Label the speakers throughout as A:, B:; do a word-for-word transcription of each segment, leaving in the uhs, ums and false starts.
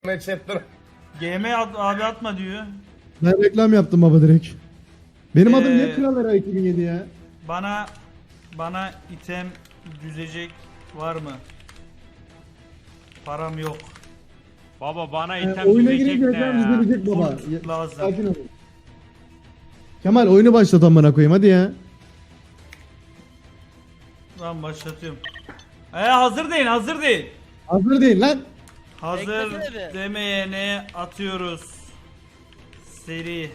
A: Chatten.
B: G M at, abi atma diyor.
C: Ben reklam yaptım baba direkt. Benim adım
B: Ee,
C: niye Kral Era iki bin yedi ya?
B: Bana bana item düzecek var mı? Param yok.
D: Baba bana
C: Ee,
D: item
C: oyuna
D: düzecek
C: girince
D: ne
C: reklam
D: ya?
C: düzelecek baba.
B: Kurt
C: Ya-
B: lazım.
C: Sakin ol. Kemal oyunu başlat amına koyayım hadi ya.
B: Ben başlatıyorum. Ee, hazır değil, hazır değil.
C: Hazır değil lan.
B: Hazır
E: Beklesene bir.
B: demeyene atıyoruz. Seri.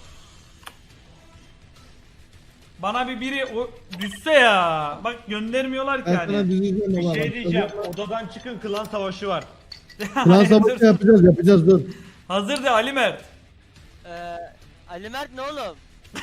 B: Bana bir biri o düşse ya. Bak göndermiyorlar ki
C: Ben sana
B: hani.
C: düzeceğim
D: Bir
C: baba.
D: şey
C: Bak,
D: diyeceğim. Odadan çıkın, klan savaşı var.
C: Klan savaşı yapacağız yapacağız dur.
B: Hazır de Ali Mert.
E: Ee, Ali Mert ne oğlum?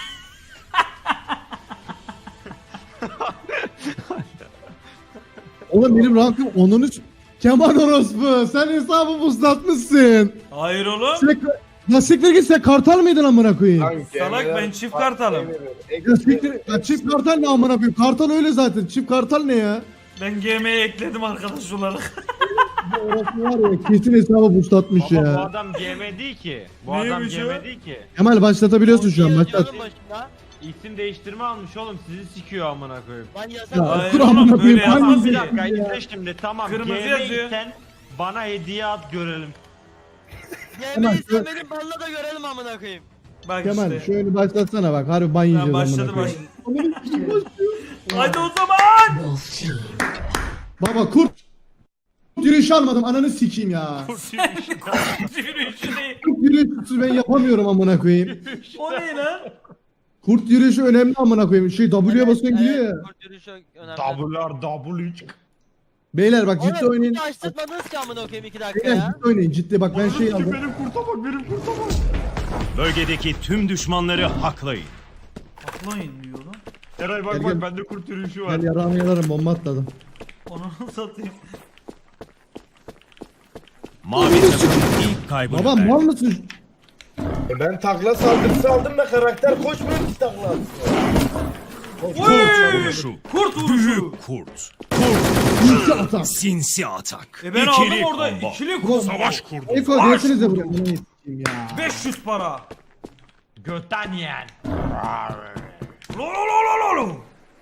C: Oğlum benim rankım on üç. Kemal orospu sen hesabı buzlatmışsın.
B: Hayır oğlum.
C: Sen, ya siktir git sen kartal mıydın amına koyayım?
A: Lan
B: Salak,
A: gemiler
B: ben çift
A: farklı
B: kartalım.
A: veriyor.
C: Ya siktir ya çift kartal ne amına koyayım? Kartal öyle zaten. Çift kartal ne ya?
B: Ben G M'ye ekledim arkadaş olarak.
C: Bu orospu var ya kesin hesabı buzlatmış
D: Baba bu
C: ya.
D: adam G M değil ki. Bu adam
B: Neymiş
D: G
B: o?
D: M değil ki.
C: Kemal başlatabiliyorsun şu an
E: Diyor-
C: başlat.
E: diyorum başında.
D: İsim değiştirme almış oğlum, sizi sikiyor amına koyayım.
E: Lan yasak.
C: Ya
B: Hayır
C: dur
B: oğlum,
C: amına koyayım.
B: böyle yapmaz
C: hangisi
D: Bir
B: ya.
D: dakika
C: ya?
D: izle şimdi, tamam.
B: Kırmızı
D: G M
B: yazıyor.
D: isen bana hediye at görelim.
C: Kemal,
E: Yemeği
C: şu-
E: sen benim balla da görelim amına koyayım.
B: Bak
C: Kemal
B: işte.
C: şu oyunu başlatsana bak harbi ban yiyeceğiz
B: Ben
C: amına
B: başladı
C: koyayım.
B: başladı. Hadi o zaman.
C: Baba kurt yürüyüş almadım ananı sikeyim ya.
B: Yürüyüşünü.
C: Kurt yürüyüşü ben yapamıyorum amına koyayım.
B: O ne lan?
C: Kurt yürüyüşü önemli amına koyayım. Şey W'ye basıyorsun gidiyor ya.
E: Kurt yürüyüşü önemli.
D: W'lar W.
C: Beyler bak ciddi
E: Oğlum
C: oynayın.
E: hiç açtırmadınız ki amına koyayım iki dakika
C: Beyler
E: ya.
C: ciddi oynayın ciddi bak ben şey aldım.
D: Benim kurta bak, benim kurta bak.
F: Bölgedeki tüm düşmanları haklayın.
B: Atlayın diyor lan.
D: Eray bak
C: Gel,
D: bak,
C: gel.
D: bende kurt yürüyüşü var.
C: Ben yarağımı yalarım bomba atladım.
B: Onu satayım.
F: Mavi takım ilk kaybını
C: Baba
F: verdi.
C: mal mısın?
A: E ben takla saldırısı aldım ve karakter koşmuyor ki takla atsın.
B: Oy!
F: Vuruşu.
B: Kurt vuruşu.
F: Büyük kurt.
C: Sinsi atak.
F: Sinsi atak.
B: E ben aldım
F: İkili
B: orada
F: combo.
B: ikili combo.
F: Savaş kurdu.
C: Eko
F: Savaş
C: diyesinize
F: kurdu.
C: buraya. Ananı sikeyim ya.
B: beş yüz para.
D: Götten yiyen.
B: Lo lo lo lo lo lo.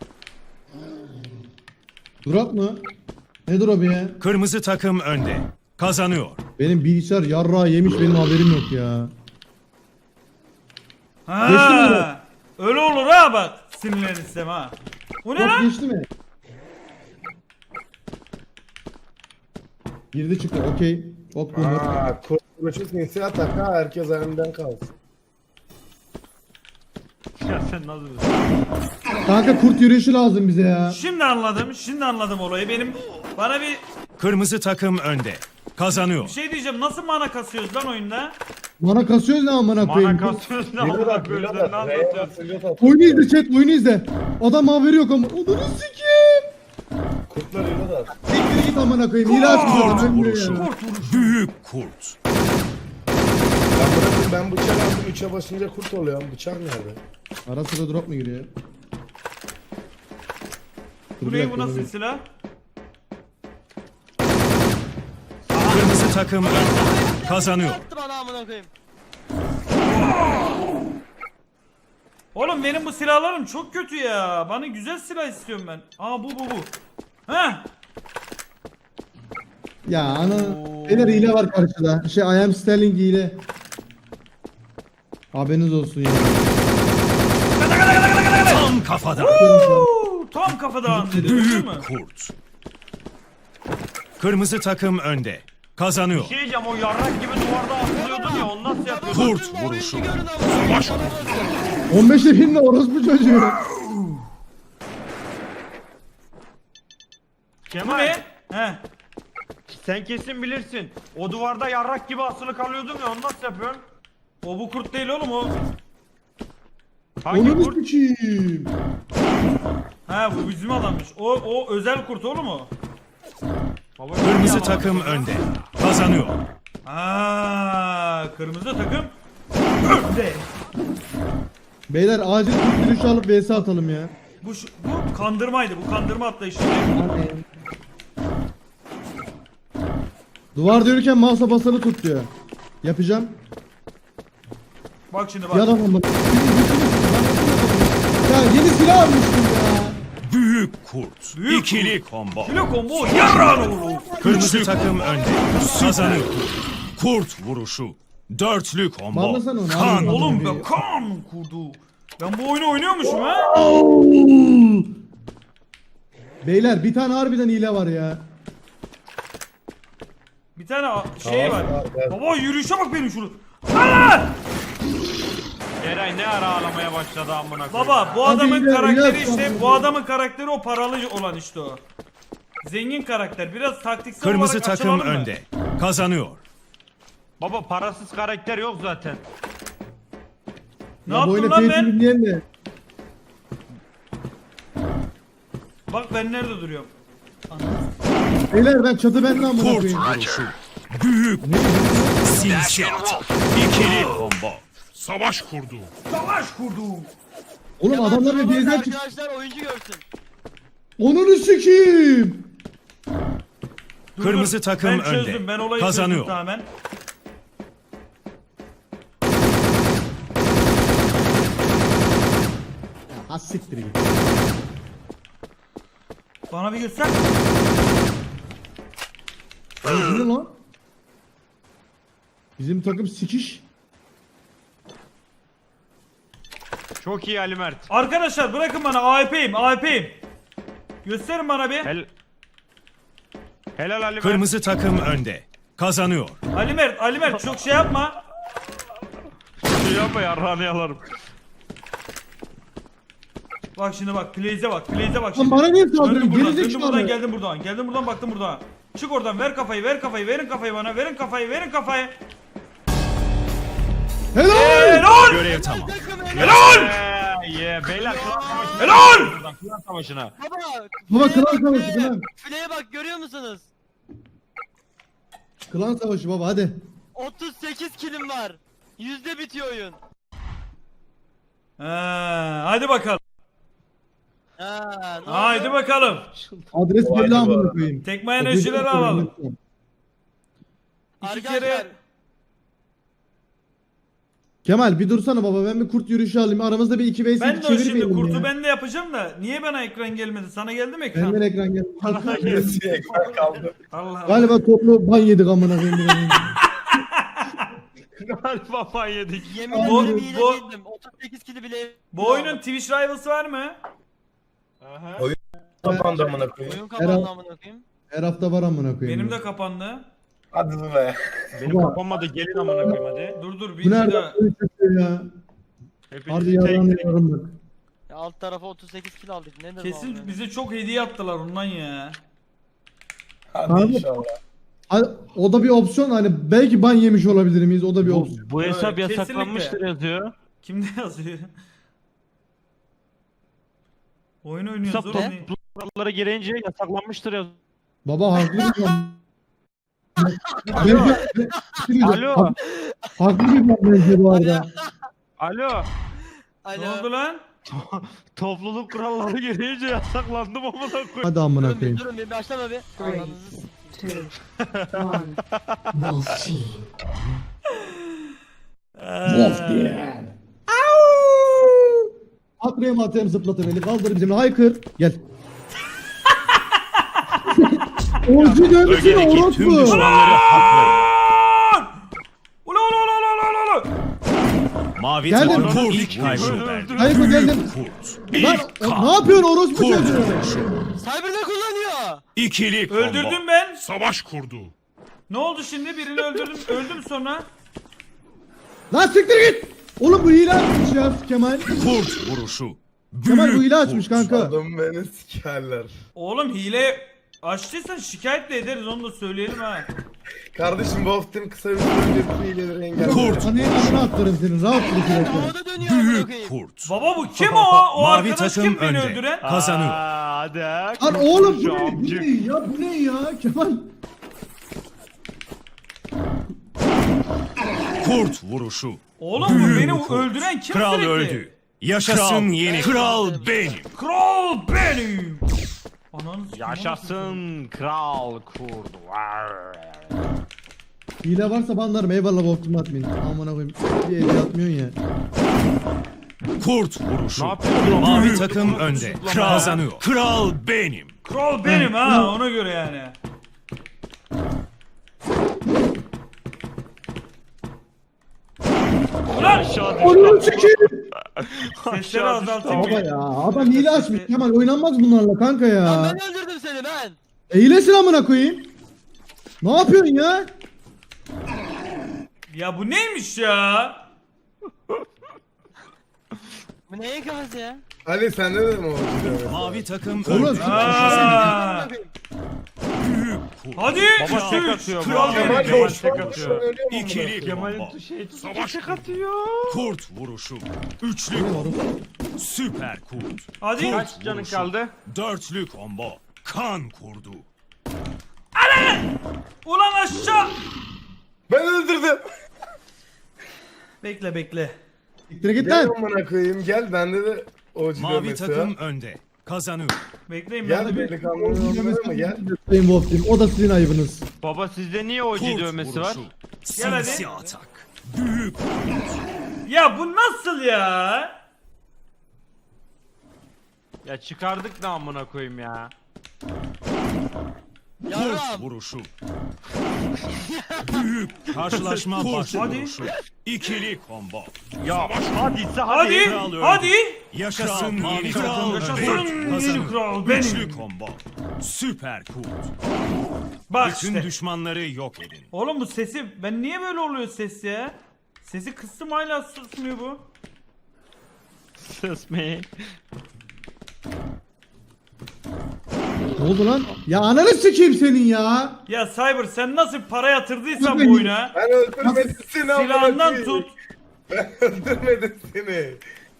C: Drop mu? Ne drop ya?
F: Kırmızı takım önde. Kazanıyor.
C: Benim bilgisayar yarrağı yemiş benim haberim yok ya. Geçti mi drop?
B: Ha. Öyle olur ha bak. Sinirlenirsem ha. Bu ne
C: Drop
B: lan?
C: geçti mi? Girdi çıktı okey. Ok bunlar.
A: Aa, kurt vuruşu sinsi atak ha, herkes önünden kalsın.
D: Ya sen nasıl?
C: Kanka kurt yürüyüşü lazım bize ya.
B: Şimdi anladım. Şimdi anladım olayı. Benim bana bir
F: Kırmızı takım önde. Kazanıyor.
B: bir şey diyeceğim. Nasıl mana kasıyoruz lan oyunda?
C: Bana kasıyoruz ne amına
D: Bana
C: koyayım.
D: kasıyorsun ne
A: Reload
D: amına
A: at,
D: koyayım,
A: reload
D: sen ne
A: at, reload
D: anlatıyorsun?
A: at, reload at.
C: Oyunu izle chat oyunu izle. Adam haberi yok ama. Odunu sikeyim.
A: Kurtlar reload at.
C: Siktir git amına koyayım. Hile açmış adam ölmüyor
F: Vuruşu.
C: ya.
F: Büyük kurt.
A: Ben bırakın, ben bıçak aldım, üçe basınca kurt oluyor. Bıçak nerede?
C: Ara sıra drop mu giriyor? Dur
B: Bu
C: bir
B: ne
C: dakika,
B: bu nasıl
C: dur.
B: silah?
F: Kırmızı takım önde. Kazanıyor.
E: Attı bana amına koyayım.
B: Oğlum benim bu silahlarım çok kötü ya. Bana güzel silah istiyorum ben. Aa bu bu bu. Heh.
C: Ya ana. Beyler hile var karşıda. Şey I am Sterling hile. Haberiniz olsun ya.
F: Tam kafadan.
B: Uuu, tam kafadan dedi. Değil
F: Büyük
B: mi?
F: kurt. Kırmızı takım önde. Kazanıyor.
D: Bir şey diyeceğim, o yarrak gibi duvarda asılıyordun ya, onu nasıl yapıyorsun?
F: Kurt
E: Bütün oyuncu
F: vuruşu.
E: görün amına koyayım.
C: on beşte binle orospu çocuğu.
B: Bu
D: Kemal,
B: ne? Heh.
D: sen kesin bilirsin. O duvarda yarrak gibi asılı kalıyordun ya, onu nasıl yapıyorsun?
B: O bu kurt değil oğlum o.
D: Hangi
C: Onu
D: kurt?
C: sikeyim.
B: Ha bu bizim adammış. O o özel kurt oğlum o.
D: Baba,
F: Kırmızı
D: yalan.
F: takım önde. Kazanıyor.
B: Aa kırmızı takım. Önde.
C: Beyler acil kurt yürüyüşü alıp vs atalım ya.
B: Bu şu- bu kandırmaydı. Bu kandırma atlayışı.
C: Duvarda yürürken mouse'a basılı tut diyor. Yapacağım.
B: Bak şimdi bak.
C: Yalan ama. Ya yeni silah almıştım ya.
F: Büyük kurt.
B: Büyük
F: İkili combo.
B: Kilo combo yarrağını vurur.
F: Kırmızı takım önde. Kazanıyor. Kurt vuruşu. Dörtlü combo.
C: Bağlasana onu,
F: Kan.
C: abi.
B: Oğlum be kan kurdu. Ben bu oyunu oynuyormuşum ha.
C: Beyler bir tane harbiden hile var ya.
B: Bir tane a- şey var.
A: Tamam, evet.
B: Baba yürüyüşe bak benim şunu. Allah!
D: Eray ne ara ağlamaya başladı amına koyayım.
B: Baba bu
C: Hadi
B: adamın
C: ileri,
B: karakteri
C: ileri.
B: işte bu adamın karakteri o paralı olan işte o. Zengin karakter. Biraz taktiksel
F: Kırmızı
B: olarak
F: takım
B: açılalım mı?
F: önde. Kazanıyor.
D: Baba parasız karakter yok zaten.
B: Ne
C: Ya bu
B: yaptım
C: oyuna
B: lan
C: pay to
B: ben?
C: win diyen de.
B: Bak ben nerede duruyorum?
C: Beyler ben çatı bende amına
F: Kurt
C: koyayım.
F: vuruşu. Büyük silşat. İkili combo.
G: Savaş kurdu.
B: Savaş kurdum.
C: Oğlum
E: Kemal
C: adamlar
E: şuna
C: bir
E: bak,
C: yerden çık.
E: arkadaşlar oyuncu görsün.
C: Onunu sikeyim.
B: Dur,
F: Kırmızı
B: dur.
F: takım
B: ben çözdüm.
F: önde.
B: Ben olayı
F: Kazanıyor.
B: çözdüm tamamen.
C: Ha siktir git.
B: Bana bir göster.
C: Bu ne lan? Bizim takım sikiş.
D: Çok iyi Ali Mert.
B: Arkadaşlar bırakın bana A W P'yim A W P'yim. Gösterin bana bir.
D: Hel Helal Ali Mert.
F: Kırmızı takım önde. Kazanıyor.
B: Ali Mert, Ali Mert çok şey yapma.
D: Şey yapma yarrağını yalarım.
B: Bak şimdi bak, Blaze'e bak, Blaze'e bak
C: Lan
B: şimdi.
C: bana niye
B: Döndüm
C: saldırıyorsun?
B: buradan,
C: Geri
B: döndüm buradan,
C: zekalı.
B: geldim buradan. Geldim buradan, baktım buradan. Çık oradan, ver kafayı, ver kafayı, verin kafayı bana, verin kafayı, verin kafayı.
C: Helal.
B: Helal!
F: Görev tamam.
B: Helal!
D: Eee yeah. Beyler klan savaşına.
B: Helal!
D: Buradan, Klan savaşına.
E: Baba.
C: Baba,
E: fileye
C: klan
E: bak,
C: savaşı,
E: fileye.
C: klan.
E: Fileye bak görüyor musunuz?
C: Klan savaşı baba hadi.
E: otuz sekiz kilim var. Yüzde bitiyor oyun.
B: Ha, hadi bakalım.
E: Ha, ne
B: Haydi
E: oldu?
B: bakalım.
C: Adres
A: Vay
C: belli
A: be.
C: amına koyayım.
B: Tekme enerjileri alalım. İki
E: Arkadaşlar
B: kere
C: Kemal bir dursana baba, ben bir kurt yürüyüşü alayım. Aramızda bir iki vs
B: ben
C: iki
B: de o şimdi
C: çevirmeyelim
B: kurtu
C: ya.
B: ben de yapacağım da niye bana ekran gelmedi? Sana geldi mi ekran?
C: Benden ekran gel.
A: Birisi ekran kaldı.
B: Allah Allah.
C: Galiba toplu ban yedik amına koyayım.
D: Galiba ban yedik.
E: yemin
B: Bu-
E: ederim hile
B: bu-
E: değildim. otuz sekiz kili bile.
B: Bu oyunun Twitch Rivals'ı var mı?
A: Kapandı amına koyayım.
E: Oyun kapandı amına koyayım.
C: Her hafta var amına koyayım.
B: Benim de kapandı.
A: Hadi be.
D: Benim
C: Baba.
D: kapanmadı gelin amına koyayım hadi.
B: Dur dur bir,
C: Bu
B: bir
C: nereden
B: daha.
C: böyle çıkıyor ya?
D: Hepinizi
C: Harbi
D: tek
C: yaran
D: tek-
C: yaran bak.
E: Ya alt tarafa otuz sekiz kil aldık. Nedir bu
B: Kesin
E: amına?
B: bize çok hediye attılar ondan ya.
A: Hadi
C: Abi.
A: inşallah.
C: Ha, o da bir opsiyon, hani belki ban yemiş olabilir miyiz, o da bir
D: Bu,
C: opsiyon.
D: bu hesap
B: Evet,
D: yasaklanmıştır yazıyor.
B: Kimde yazıyor? Oyun oynuyoruz
D: Hesap
B: oğlum. ne?
D: kurallara girince yasaklanmıştır yazıyor.
C: Baba haklı bir ban. Bence- bence-
D: Alo.
C: hak- Haklı bir ban bence bu arada.
D: Alo.
E: Alo.
B: Ne oldu lan?
D: Topluluk kuralları girince yasaklandım amına koyayım.
C: Hadi amına
E: Durun bir,
C: koyayım.
E: durun bir başlama bir.
H: Three.
E: Ananızı s-
H: Two, one. Wolf team.
C: Akrem atayım zıplatır beni, kaldır bizimle, haykır. Gel. Orcu dönüşü
F: Bölgedeki tüm
C: orospu.
F: düşmanları haklayın.
B: Ula ula ula ula ula ula.
F: Mavi
C: Geldim.
F: takım
D: Kurt.
F: ilk kaybı verdi.
C: Hayır, bu geldim.
F: Kurt.
C: Lan
F: İlk
C: o-
F: kan.
C: ne yapıyorsun orospu
F: Kurt
C: çocuğu?
F: vuruşu.
E: Cyber ne kullanıyor?
F: İkili combo.
B: Öldürdüm ben.
G: Savaş kurdu.
B: Ne oldu şimdi? Birini öldürdüm. Öldüm sonra.
C: Lan siktir git. Oğlum bu hile açmış ya Kemal.
F: Kurt vuruşu.
C: Kemal bu
F: Büyük
C: hile açmış
F: kurt.
C: kanka.
A: Adam beni sikerler.
B: Oğlum hile açtıysan şikayet de ederiz onu da söyleyelim ha.
A: Kardeşim Wolf Team kısa bir süre önce bir hileleri engelledi.
F: Kurt.
C: Hani amına attırım senin, rahat dur iki dakika.
E: Havada dönüyor amına
F: Büyük
E: koyayım.
F: kurt.
B: Baba bu kim o? O
F: Mavi
B: arkadaş
F: takım
B: kim beni
F: önde.
B: öldüren?
F: Kazanıyor.
D: Aa, hadi ha.
C: Lan oğlum bu
D: Şu
C: ne? Bu
D: amcık.
C: ne ya? Bu ne ya Kemal?
F: Kurt vuruşu.
B: Oğlum bu
F: Büyük
B: beni
F: kurt.
B: öldüren kim
F: Kral
B: sürekli?
F: öldü. Yaşasın yeni kral benim.
B: Kral benim. Ananı sikeyim,
D: Yaşasın kral kurdu. Var.
C: Hile varsa banlarım eyvallah boktum atmayın. Amına koyayım. Bir hediye atmıyorsun ya.
F: Kurt vuruşu.
D: Ne yapıyorsun?
F: Mavi takım önde. Kazanıyor. Kral benim.
B: Kral benim ha ona göre yani. Ulan
C: Onu sikeyim.
B: sesleri azaltayım.
C: Baba ya adam hile açmış. Kemal oynanmaz bunlarla kanka
E: Lan
C: ya.
E: ben öldürdüm seni ben.
C: Eğlesin amına koyayım. Ne yapıyorsun ya?
B: Ya bu neymiş ya?
E: Bu neyin kafası ya?
A: Ali sende de mi oldu?
F: Mavi takım
C: Oğlum,
F: önde.
B: Aa,
F: Büyük kurt.
B: hadi.
D: Baba
B: Üç,
D: tek
B: üç.
D: atıyor.
B: Kral
D: bu.
B: benim.
D: Kemal
A: Kemal
D: tek
A: tek
D: atıyor.
F: İkili
D: Kemal'in
F: combo.
D: şey
G: Savaş
D: tek
G: kurdu.
D: atıyor.
F: Kurt vuruşu. Üçlü combo. Süper kurt.
B: Hadi.
D: Kaç canın kaldı?
F: Dörtlü combo. Kan kurdu.
B: Ulan aşağı.
A: Ben öldürdüm.
B: Bekle bekle.
C: Siktir git
A: Gel
C: lan.
A: amına koyayım gel bende de O C
F: Mavi
A: dövmesi
F: takım
A: var.
F: önde. Kazanıyor.
B: Bekleyin ben
A: Gel
B: de bir.
A: delikanlının yanına mı gel?
C: Sayın Wolf Team. O da sizin ayıbınız.
D: Baba sizde niye O C
F: Kurt
D: dövmesi var?
F: vuruşu.
B: Gel hadi.
F: Sinsi atak. Büyük
B: Ya bu nasıl ya?
D: Ya çıkardık da amına koyayım ya.
F: kurt
E: Yaram.
F: vuruşu. Büyük karşılaşma başı
B: Hadi.
F: vuruşu. İkili combo.
D: Ya hadi hadi.
B: Hadi.
F: Kral öldü.
B: Hadi.
F: Yaşasın mavi
B: kral,
F: takım
B: yaşasın
F: önde.
B: yeni
F: Kazanıyor.
B: kral benim.
F: Üçlü combo. Süper kurt.
B: Bak
F: Bütün
B: işte.
F: düşmanları yok edin.
B: Oğlum bu sesi ben niye böyle oluyor ses ya? Sesi kıstım hala susmuyor bu.
D: Sus me.
C: Ne oldu lan? Ya ananı sikeyim senin ya.
B: Ya Cyber sen nasıl para yatırdıysan
C: Yok,
B: bu oyuna
A: Ben öldürmedim seni amına
B: silahından
A: koyayım.
B: tut.
A: Ben öldürmedim seni.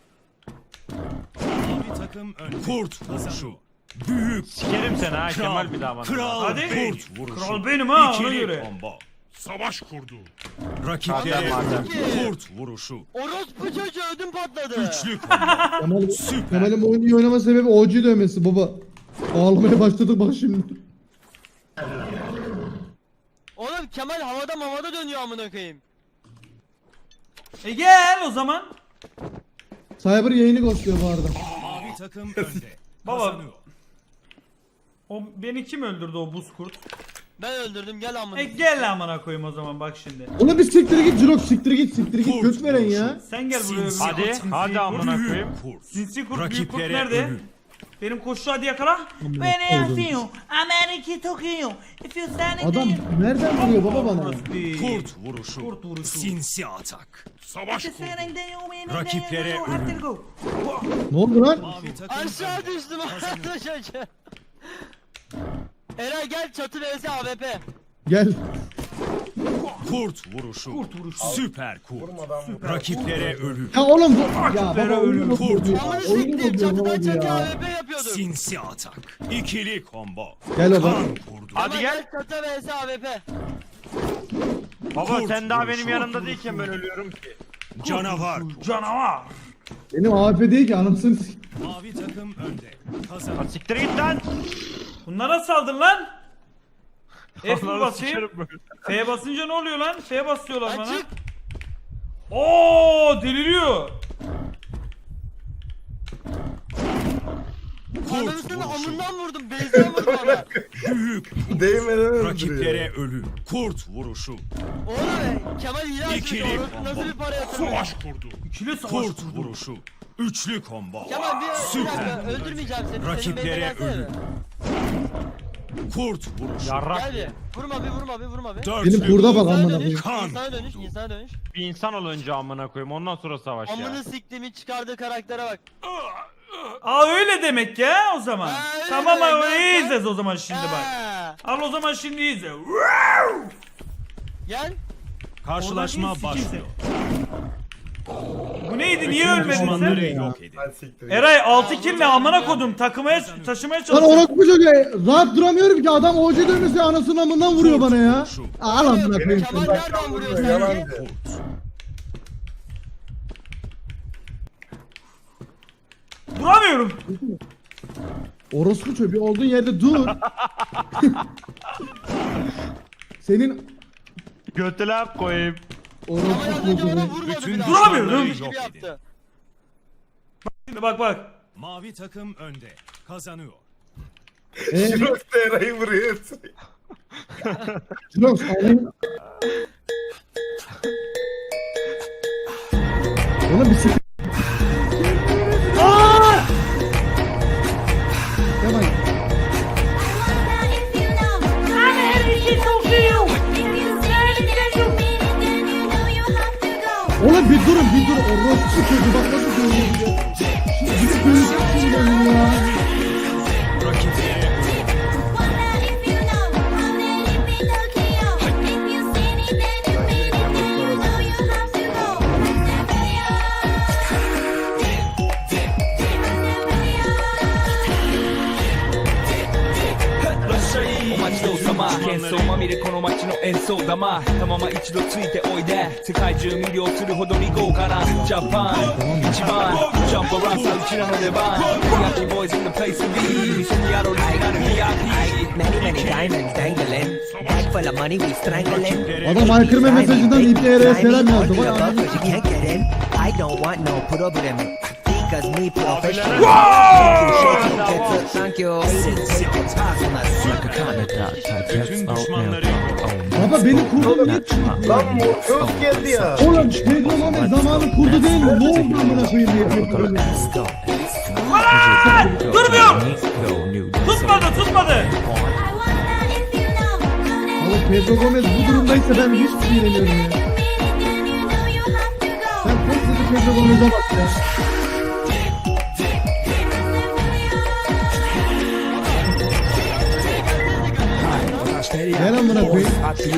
F: Mavi takım önde. Kurt vuruşu. Büyük
D: Sikerim seni ha
F: kral.
D: Kemal bir daha bana.
F: Kral
B: Hadi.
F: kurt vuruşu.
B: Kral benim ha, ona
F: İkili
B: göre.
F: combo.
G: Savaş kurdu.
F: Rakiplere
D: Madem, madem.
F: kurt vuruşu.
E: Orospu çocuğu ödüm patladı.
F: Üçlü combo.
C: Kemal,
F: Süper.
C: Kemal'in bu oyunu iyi oynama sebebi O G dövmesi baba. Ağlamaya başladık bak şimdi.
E: Oğlum Kemal havada mamada dönüyor amına koyayım.
B: E gel o zaman.
C: Cyber yayını ghostluyor bu arada.
F: Mavi takım önde.
B: Baba.
F: Kazanıyor.
B: O beni kim öldürdü o buz kurt?
E: Ben öldürdüm gel amına.
B: E gel amına koyayım o zaman bak şimdi.
C: Ona bir siktir git Jirok siktir git siktir git
F: Kurt
C: göt veren
F: vuruşu.
C: ya.
B: Sen gel buraya.
F: Sinsi
D: Hadi
B: Sinsi
D: hadi
B: kurt.
D: amına
F: Büyük
D: koyayım.
F: kurt.
B: Sinsi kurt büyük kurt
F: Rakiplere
B: nerede?
F: ölüm.
B: Benim koşu hadi yakala.
C: Beni
B: atıyor. Amerika Tokyo. If you stand
C: Adam nereden vuruyor baba bana?
F: Kurt vuruşu.
B: Kurt vuruşu.
F: Sinsi atak.
G: Savaş kurdu.
F: Rakiplere ölüm.
C: Ne oldu lan?
F: Mavi takım
E: Aşağı
F: önde.
E: düştüm orospu çocuğu. Eray gel çatı vs A W P.
C: Gel.
F: Kurt vuruşu.
B: Kurt vuruşu.
F: Süper kurt.
A: Vurmadan vur.
F: Rakiplere ölüm.
C: Ya oğlum bu... Ya baba oyunu
F: Kurt.
C: bozuyor ya.
E: Amına
C: Oyunu
E: siktim
C: bozuyor ne
E: çatıdan
C: oldu
E: çatı A
C: ya.
E: W P yapıyorduk.
F: Sinsi atak. İkili combo.
C: Gel baba.
F: Kan kurdu.
D: Hadi
E: Kemal
D: gel.
E: çatı vs A W P.
D: Baba
F: Kurt
D: sen daha
F: vuruşu.
D: benim yanımda değilken ben ölüyorum ki.
F: Canavar.
B: Canavar.
C: Benim A F değil ki anasını s-
F: Mavi takım önde.
D: Lan
F: Kazanıyor.
D: siktir git lan.
B: Bunlara saldın lan. F mi
D: Onları
B: basayım?
D: sikerim böyle.
B: F basınca ne oluyor lan? F basıyorlar bana.
E: Açık.
B: Oo deliriyor.
F: Kurt
E: Ananısını
F: vuruşu.
E: amından vurdum. Beyzden vurdum ona.
F: Büyük.
A: Değmeden öldürüyor.
F: Rakiplere ölüm. Kurt vuruşu.
E: Oğlum Kemal hile açmış.
F: İkili
E: Orospu
F: combo.
E: nasıl bir para yatırmış.
G: Savaş kurdu.
B: İkili savaş
F: Kurt
B: kurdu.
F: vuruşu. Üçlü combo.
E: Kemal bir, bir
F: Süper.
E: dakika öldürmeyeceğim seni.
F: Rakiplere
E: Senin
F: ölüm. Kurt vuruşu.
D: Yarrak.
E: Gel bir. Vurma bir vurma bir vurma bir.
F: Dörtlü.
C: Benim kurda bak
E: İnsana
C: amına
E: dönüş,
C: koyayım.
F: Kan
E: insana dönüş,
F: vurdu.
E: insana dönüş.
D: Bir insan ol önce amına koyayım ondan sonra savaş ya.
E: Amını siktiğimi çıkardığı karaktere bak.
B: Aa öyle demek ya o zaman.
E: Ha, öyle
B: Tamam
E: demek,
B: abi
E: bak,
B: iyi
E: bak.
B: izleriz o zaman şimdi bak.
E: Ha.
B: Al o zaman şimdi izle.
E: Gel.
F: Karşılaşma
B: Oradan iyi
F: başlıyor.
B: Bu neydi niye
F: Tüm
B: ölmedin
F: düşmanları
B: sen?
F: yok edin.
A: Hadi siktir.
B: Eray altı kill ne amına kodum takımaya taşımaya
C: Lan
B: çalışıyor.
C: orospu çocuğu rahat duramıyorum ki adam O G dövmesi anasının amından vuruyor bana ya. Al amına koyayım.
E: Kemal nereden vuruyor sence?
A: Yalancı.
F: Kurt.
B: Duramıyorum.
C: Orospu çocuğu olduğun yerde dur. Senin
D: Götüne koyayım.
E: Ama
C: Orospu
E: az önce ona
C: çocuğu.
E: vurmadı
F: Bütün
E: bir daha.
B: Duramıyorum.
F: düşmanları
E: Gibi
F: yok edin.
E: yaptı.
B: Şimdi bak bak.
F: Mavi takım önde. Kazanıyor.
C: E,
A: Jirox da Eray'ı vuruyor.
C: Jirox alayım. Oğlum bir sıkı. Aaa! Kemal. Oğlum bir durun bir durun. Orospu çocuğu bak nasıl dövüyor. Bir dövüyor şimdi ya.
I: Many, many diamonds dangling. Bag full of money, we strangling.
C: Adam aykırma mesajından İ P R'ye selam yazdı. Vay
I: Above,
C: anasını
I: but you can't get in. I don't want no put up with him. Because me professional. Thank you. Take your pass on that.
F: Bütün düşmanları yok edin.
C: Baba benim kurdum niye çıkıyor?
A: Lan Morpheus geldi ya.
C: Oğlum Pedro Gomez zamanı kurdu değil mi? Ne oldu amına koyayım diye yapıyorum.
B: Durmuyor. Tutmadı tutmadı.
C: Oğlum Pedro Gomez bu durumdaysa ben hiçbir şey demiyorum ya. Sen koskoca Pedro Gomez'e bak ya. Gel amına koyayım.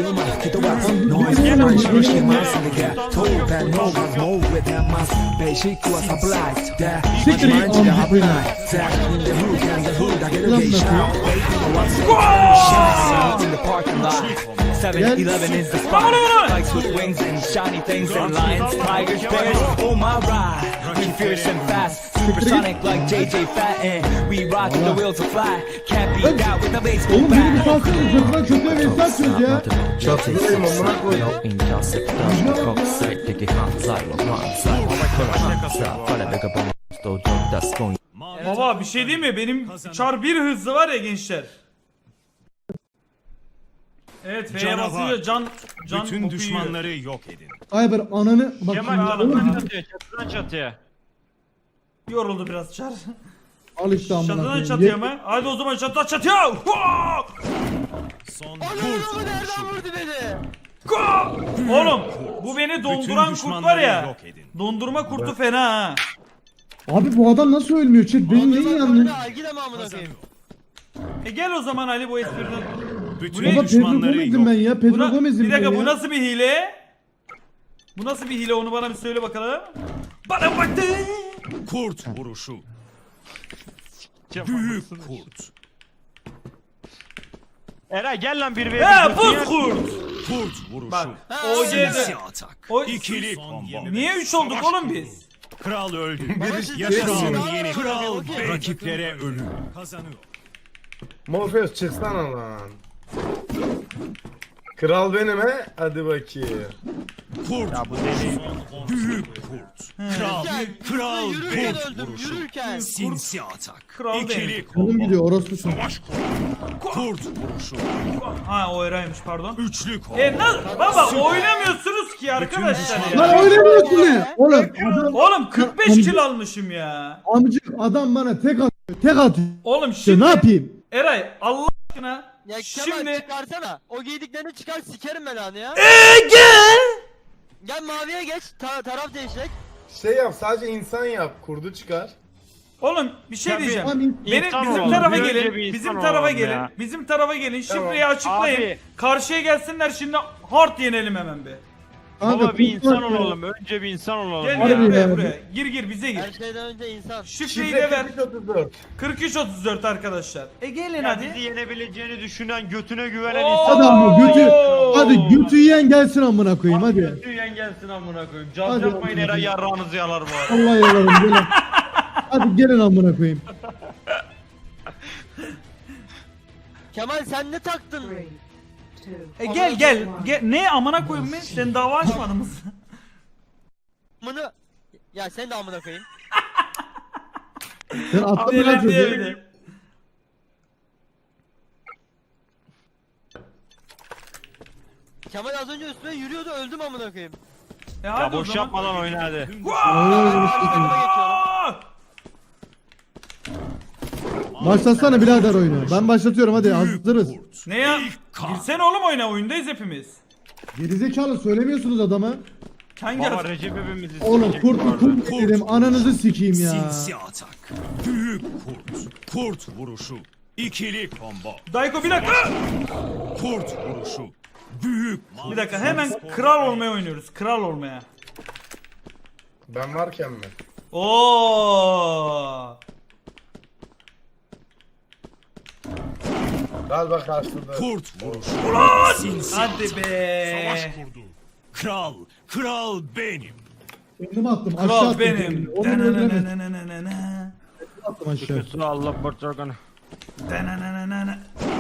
C: Siktir git amına koyayım.
I: seven eleven is the spot. Bikes with wings and shiny things and lions, tigers, bears. Oh my ride, we fierce and fast, supersonic like J J Fatten. We rock the wheels will fly. Can't beat that with a baseball
C: Oğlum beni bir
I: bat.
C: salsana sırtından kötüye ve insan söz ya.
A: Çatıdayım amına koyayım.
F: Mavi
B: Baba bir şey değil mi? Benim çar bir hızlı var ya gençler. Evet F'ye
F: Canavar.
B: basınca can can
F: bütün
B: kopuyor.
F: düşmanları yok edin.
C: Ayber ananı bak
D: Kemal
C: şimdi
B: oğlum,
C: oğlum
D: çatıdan çatıya, çatıdan çatıya.
B: Yoruldu biraz çar.
C: al işte amına
B: Çatıdan
C: koyayım.
B: çatıya
C: Ye-
B: mı? Hadi o zaman çatıdan çatıya. Hua!
F: Son
E: Ananı
F: kurt
E: mı nereden
F: vuruşu.
E: vurdu beni?
B: Hua! Oğlum bu beni donduran kurt var
F: düşmanları
B: ya.
F: yok edin.
B: Dondurma kurtu fena ha.
C: Abi bu adam nasıl ölmüyor chat? Benim neyi yanlış?
E: Algide mi amına koyayım?
B: E gel o zaman Ali bu espriden.
F: Bütün
B: ne?
C: Baba Pedro
F: düşmanları
C: Gomez'im
F: yok
C: ben ya. Pedro
B: Buna,
C: Gomez'im
B: bir
C: ben
B: dakika bu
C: ya.
B: nasıl bir hile? Bu nasıl bir hile onu bana bir söyle bakalım. Bana baktı.
F: Kurt vuruşu. Büyük kurt.
D: Eray gel lan bir ve
B: He
D: bir.
B: buz kurt.
F: Kurt vuruşu.
B: Bak
E: Ha,
B: O
F: Sinsi
B: C'de.
F: atak.
B: O-
F: İkili
G: Son
F: combo.
G: yirmi.
B: Niye üç olduk oğlum biz?
F: Kral öldü.
E: Baba siz de
F: Yaşasın
E: Kral
F: yeni
E: öldü.
F: kral.
E: Okey.
F: Rakiplere ölüm. Kazanıyor.
A: Morpheus çıksana lan. Kral benim he. Hadi bakayım.
F: Kurt. Ya bu deli. Büyük kurt. Kral.
E: Gel,
F: Kral
E: yürürken
F: kurt
E: öldüm,
F: vuruşu.
E: yürürken.
F: Sinsi atak.
B: Kral
F: İkili
B: benim.
C: Canım
F: combo.
C: gidiyor orospu çocuğu.
F: Kurt vuruşu.
B: Ha o Eray'mış pardon.
F: Üçlü combo.
B: E na baba oynamıyorsunuz ki arkadaşlar
C: Lan
B: ya.
C: oynamıyorsun ne? Oğlum adam
B: Oğlum kırk beş kill almışım ya.
C: amcık adam bana tek atıyor. Tek atıyor.
B: Oğlum
C: İşte
B: şimdi
C: ne yapayım?
B: Eray Allah aşkına
E: Ya Kemal
B: şimdi
E: çıkarsana. O giydiklerini çıkar sikerim ben anı ya.
B: Eee gel.
E: Gel maviye geç. Ta taraf değişecek.
A: Şey yap sadece insan yap. Kurdu çıkar.
B: Oğlum bir şey
D: Tabii.
B: diyeceğim.
C: Tamam,
B: Benim
D: İnsan
B: bizim
D: olalım.
B: tarafa
D: Bir önce
B: gelin.
D: bir insan
B: Bizim tarafa
D: olalım
B: gelin.
D: ya.
B: Bizim tarafa gelin. Şifreyi
A: Tamam.
B: açıklayın.
D: Abi.
B: Karşıya gelsinler şimdi hard yenelim hemen bir.
C: Kanka,
D: Baba bir
C: kurtar
D: insan
C: ya.
D: olalım. Önce bir insan olalım.
B: Gel
D: ya.
B: gel
C: Harbi
B: buraya
C: ya.
B: buraya. Gir gir bize gir.
E: Her şeyden önce insan.
B: Şifreyi
A: Şifre
B: de ver.
A: kırk üç otuz dört.
B: kırk üç otuz dört arkadaşlar. E gelin
D: Ya
B: hadi.
D: bizi yenebileceğini düşünen, götüne güvenen
B: Oo.
D: insan.
C: Hadi ama götü. Hadi götü yiyen gelsin amına koyayım hadi.
D: Götü yiyen gelsin amına koyayım. Caz
C: Hadi
D: yapmayın
C: amına
D: Eray yarrağınızı yalar bu arada.
C: Allah yalarım gelin. Hadi gelin amına koyayım.
E: Kemal sen ne taktın?
B: E gel gel. Gel. Ne amına koyayım ben? Sen dava açmadın mı?
E: Amına. Ya sen de amına koyayım.
C: Sen attın mı lan
B: Neler diye
C: çocuğu?
B: öyle.
E: Kemal az önce üstüme yürüyordu öldüm amına koyayım.
B: E
D: Ya
B: hadi o
D: boş
B: zaman.
D: yapmadan oyna hadi.
E: Takıma geçiyorum.
B: Aa!
C: Başlatsana birader oyunu. Ben başlatıyorum hadi hazırız.
B: Ne ya? Girsene oğlum oyuna, oyundayız hepimiz.
C: Gerizekalı söylemiyorsunuz adama.
B: Hangi
D: Baba
B: arası?
D: Recep hepimizi
C: Oğlum
D: sikecek
C: kurt
D: bu arada.
C: kurt dedim ananızı sikeyim ya.
F: Sinsi atak. Büyük kurt. Kurt vuruşu. İkili combo.
B: Dayko bir dakika.
F: Kurt vuruşu. Büyük
B: Bir dakika hemen kral olmaya oynuyoruz. Kral olmaya.
A: Ben varken mi?
B: Oo!
A: Galiba karşıladı.
F: kurt vuruşu. Sinsi
B: Hadi
F: atak.
G: Savaş
B: be.
G: kurdu.
F: Kral. Kral benim.
C: Kendim attım aşağı
B: Kral
C: attım.
B: benim.
C: kendimi. Onu öldüremedim.
B: Danananananana.
C: Attım aşağı.
D: Kusura Allah barçakanı.
B: Dananananana.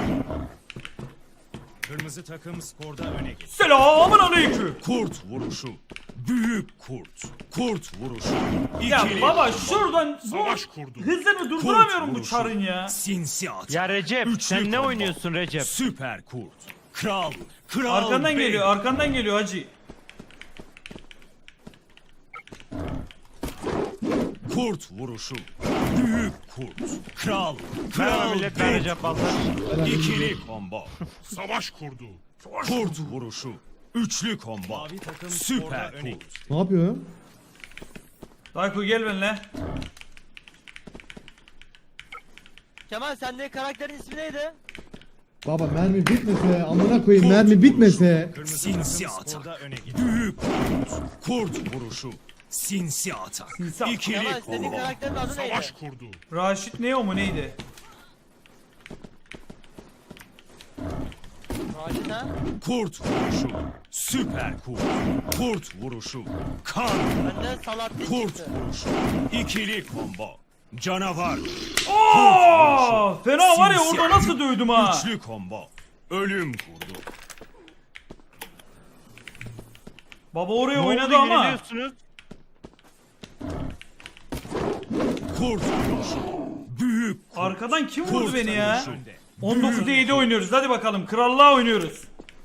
F: Kırmızı takım skorda öne geçti.
B: Selamun aleyküm.
F: Kurt vuruşu. Büyük kurt. Kurt vuruşu.
B: Ya
F: İkili
B: baba
F: combo.
B: şuradan bu
G: Savaş kurdu.
B: hızını durduramıyorum
F: Kurt
B: bu
F: vuruşu.
B: çarın ya.
F: Sinsi atak.
D: Ya Recep
F: Üçlü
D: sen ne
F: combo.
D: oynuyorsun Recep?
F: Süper kurt. Kral. Kral
B: Arkandan
F: benim.
B: geliyor, arkandan geliyor hacı.
F: Kurt vuruşu. Büyük kurt. Kral.
D: Merhaba
F: Kral
D: millet ben
F: benim.
D: Recep Baltar.
F: İkili combo.
G: Savaş kurdu.
F: Kurt vuruşu. Üçlü combo. Süper kurt.
C: Ne yapıyor ya?
B: Dayko gel benimle.
E: Kemal sende karakterin ismi neydi?
C: Baba mermi bitmese amına koyayım mermi bitmese.
F: Sinsi atak. Büyük kurt. Kurt vuruşu. Sinsi atak.
B: Sinsi atak.
F: İkili
E: Kemal senin
F: combo.
E: karakterin adı neydi?
G: Savaş kurdu.
B: Raşit ne o mu neydi?
E: Raşit ha?
F: Kurt vuruşu. Süper kurt. Kurt vuruşu. Kan.
E: Benden Salahattin
F: Kurt
E: çıktı.
F: vuruşu. İkili combo. Canavar.
B: Oo! Fena var ya
F: Sinsi
B: orada nasıl dövdüm ha?
F: Üçlü combo. Ölüm kurdu.
B: Baba oraya
D: Ne
B: oynadı
D: oldu,
B: ama.
D: yeniliyorsunuz?
F: Kurt vuruşu. Büyük kurt.
B: Arkadan kim vurdu
F: Kurt
B: beni ya?
F: vuruşu.
B: on dokuzda yedi oynuyoruz. Hadi bakalım. Krallığa oynuyoruz.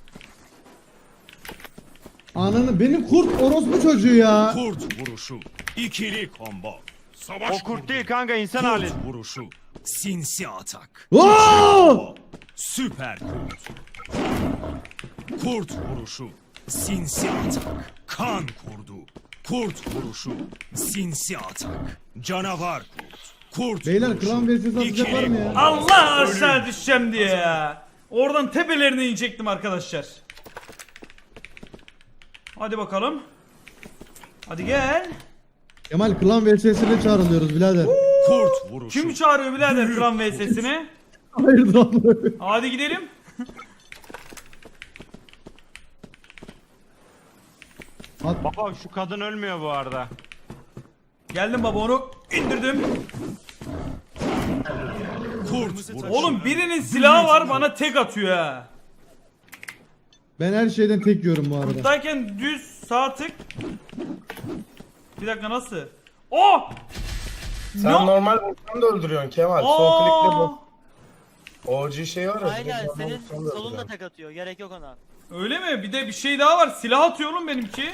C: Ananı benim kurt orospu çocuğu ya.
F: Kurt vuruşu. İkili combo.
G: Savaş
D: O kurt
G: kurdu.
D: değil kanka insan hali.
F: Kurt vuruşu. Sinsi atak.
C: Oo!
F: Süper kurt. Kurt vuruşu. Sinsi atak. Kan kurdu. Kurt vuruşu. Sinsi atak. Canavar kurt. Kurt
C: Beyler
F: vuruşu.
C: klan versiyonu atacak var mı ya?
B: Allah aşağı düşeceğim diye ya. Oradan tepelerine inecektim arkadaşlar. Hadi bakalım. Hadi gel.
C: Kemal klan V S'sine çağrılıyoruz birader.
F: Kurt vuruşu.
B: Kim çağırıyor birader klan V S'sini?
C: Hayırdır abla?
B: Hadi gidelim.
D: Baba şu kadın ölmüyor bu arada.
B: Geldim baba onu indirdim.
F: Kurt vuruşu.
B: Oğlum birinin silahı var bana tek atıyor ha.
C: Ben her şeyden tek yiyorum bu arada.
B: Kurttayken düz sağ tık. Bir dakika nasıl? Oh!
A: Sen
B: Ne?
A: normal vursan da öldürüyorsun Kemal. Sol klikle
B: Aa!
A: bu. O G şey var ya.
E: Aynen
A: normal
E: senin
A: vursan da
E: solunda
A: öldürüyorsun.
E: tek atıyor. Gerek yok ona.
B: Öyle mi? Bir de bir şey daha var. Silah atıyor oğlum benimki.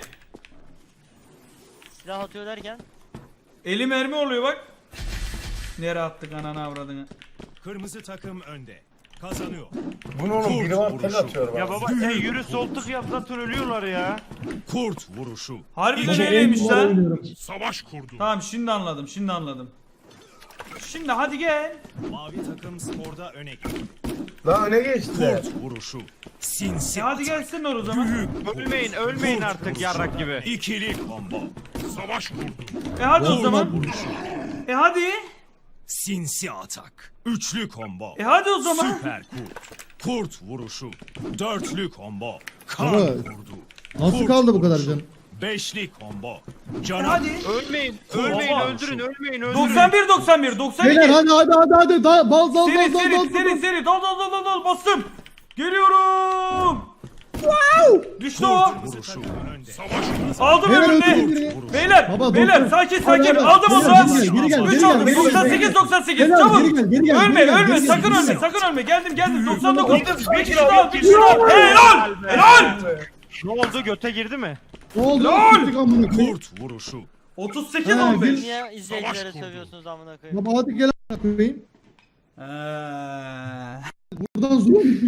E: Silah atıyor derken.
B: Eli mermi oluyor bak. Nereye attık ananı avradını.
F: Kırmızı takım önde. Kazanıyor.
A: Bunu oğlum biri var tek atıyor
D: Ya
A: bana.
D: baba sen yürü sol tık yap zaten ölüyorlar ya.
F: Kurt vuruşu.
B: Harbiden
F: İki-
B: öyleymiş
C: En kolay
B: lan.
C: oynuyorum.
G: Savaş kurdu.
B: Tamam şimdi anladım şimdi anladım. Şimdi hadi gel.
F: Mavi takım skorda öne geçti.
A: Lan öne geçti.
F: Kurt vuruşu. Sinsi
B: E hadi
F: atak.
B: gelsin o zaman.
F: Büyük kurt.
D: Ölmeyin ölmeyin
F: Kurt
D: artık
F: vuruşu.
D: yarrak gibi.
F: İkili combo.
G: Savaş kurdu.
B: E hadi o
C: Olmaz
B: zaman.
F: Vuruşu.
B: E hadi.
F: Sinsi atak. Üçlü combo.
B: E hadi o zaman.
F: Süper kurt. Kurt vuruşu. Dörtlü combo. Kan
C: Baba,
F: vurdu.
C: Nasıl
F: Kurt
C: kaldı bu kadar
F: vuruşu.
C: can?
F: Beşli combo.
B: E
F: Canavar.
B: hadi.
D: Ölmeyin ölmeyin
B: Baba.
D: öldürün ölmeyin öldürün.
B: doksan bir doksan bir doksan iki.
C: Beyler hadi hadi hadi hadi. Da, bal bal
B: Seri
C: bal bal
B: seri
C: bal
B: seri
C: bal.
B: seri dal dal dal dal dal bastım. Geliyorum. Düştü o.
F: Vuruşu.
G: Savaş kurdu.
B: Aldım
C: Beyler
B: öbürünü.
C: öldürün biri.
B: Beyler,
C: Baba,
B: beyler
C: doktor.
B: sakin
C: Hadi,
B: sakin.
C: hadi.
B: Aldım onu.
C: Beyler, geri gel, geri gel,
B: üç
C: geri gel,
B: aldım.
C: geri gel,
B: doksan
C: geri
B: sekiz
C: gel.
B: doksan sekiz.
C: Beyler,
B: Çabuk.
C: geri gel, geri gel,
B: Ölme
C: geri gel,
B: ölme
C: geri gel,
B: sakın
C: geri
B: ölme
C: gel.
B: sakın ölme. Geldim geldim doksan dokuz.
D: Otuz
B: Bir
D: bir
B: kişi
D: kilo,
B: daha
D: bir
B: bir kişi daha. Helal. Helal.
D: Ne oldu göte girdi mi?
C: Ne oldu?
B: Lol!
C: Gittik amına koyayım.
F: Kurt vuruşu.
B: otuz sekiz
C: Ha,
B: on beş.
C: gül-
E: Niye izleyicilere
G: kurdu.
E: sövüyorsunuz amına koyayım?
C: Baba hadi gel amına koyayım.
B: Eee.
C: Buradan zoom